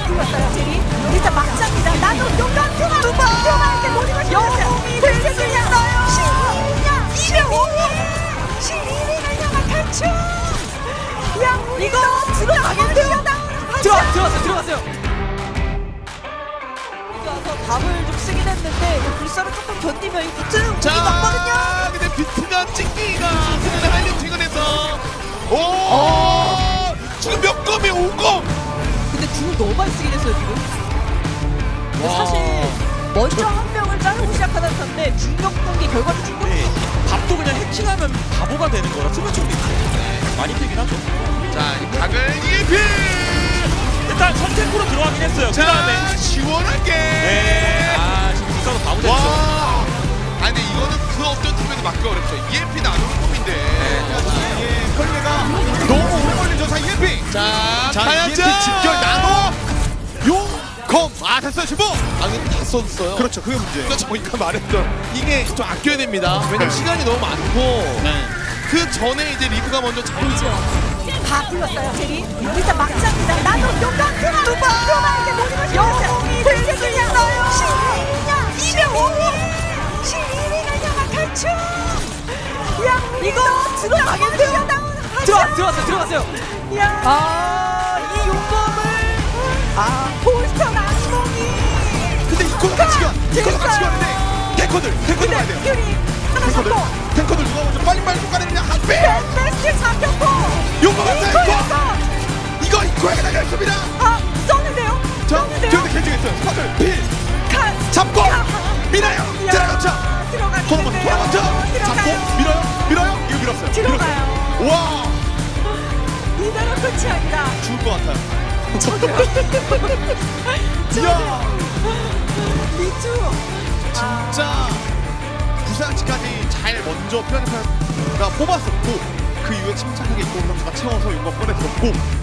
불렀어요 제리. 진짜 막장이다. 나도 용감 투마한테 모든 걸 영웅이 될 수 있어요. 신이냐 12를 향한 탈출. 야 이거 들어가겠는데요? 들어갔어요. 와서 답을 좀 쓰긴 했는데 이 불사를 조금 견디면 이 비트는 움직이 맞거든요. 근데 비트면 찍기가 그냥 하이라이팅을 해서 오 지금 몇 검이에요? 5검. 근데 궁을 너무 많이 쓰긴 했어요 지금. 근데 사실 먼저 한 명을 자르고 시작하는 건데 중력 공기 결과를 준 거예요. 밥도 그냥 해킹하면 바보가 되는 거라 수면 쪽도 있고 많이 되긴 하죠. 자, 이 각을 EMP. 일단 선택으로 들어가긴 했어요. 그 자, 다음에 시원하게. 네. 지금 불사도 바보 됐죠. 와. 아니 근데 이거는 그 어떤 팀에도 맞기 어렵죠. EMP 나누는 콤인데. 예, 걸레가 너무 오래 걸리죠. 자, EMP. 자, EMP 집결 나노 용검 됐어요 지금. 아니 다 썼어요. 그렇죠, 그게 문제예요. 그러니까 저희가 말했던 이게 좀 아껴야 됩니다. 왜냐면 시간이 너무 많고 그 전에 이제 리브가 먼저 잘 다 불렀어요 제리. 진짜 막장이다. 나도 용감 투마한테 모든 걸 영웅이 될 수 있어요. 신이냐 12를 향한 탈출. 야 이거 들어가겠는데요? 들어갔어요. 야 이 용검을 볼스터 나스몽이. 근데 이코가 같이 가. 이코가 같이 가는데 탱커들 봐야 돼요. 퓨리 하나 탱커들 잡고 탱커들 누가 먼저 빨리빨리 쫓아내느냐 한 배. 베스트 잡혔고 용검 같아요. 이거에서 이거 이코에게 달려있습니다. 썼는데요? 자, 뒤에 개중했어요. 스파들 필 잡고 밀어요. 들어가죠. 돌아먼저 잡고 밀어요. 이거 밀었어요. 들어가요. 와 이대로 끝이 아니라 죽을 것 같아요. 야 미투. 진짜 부상치까지 잘 먼저 피라니카가 뽑았었고 그 이후에 침착하게 이코 선수가 채워서 용검 꺼내들었고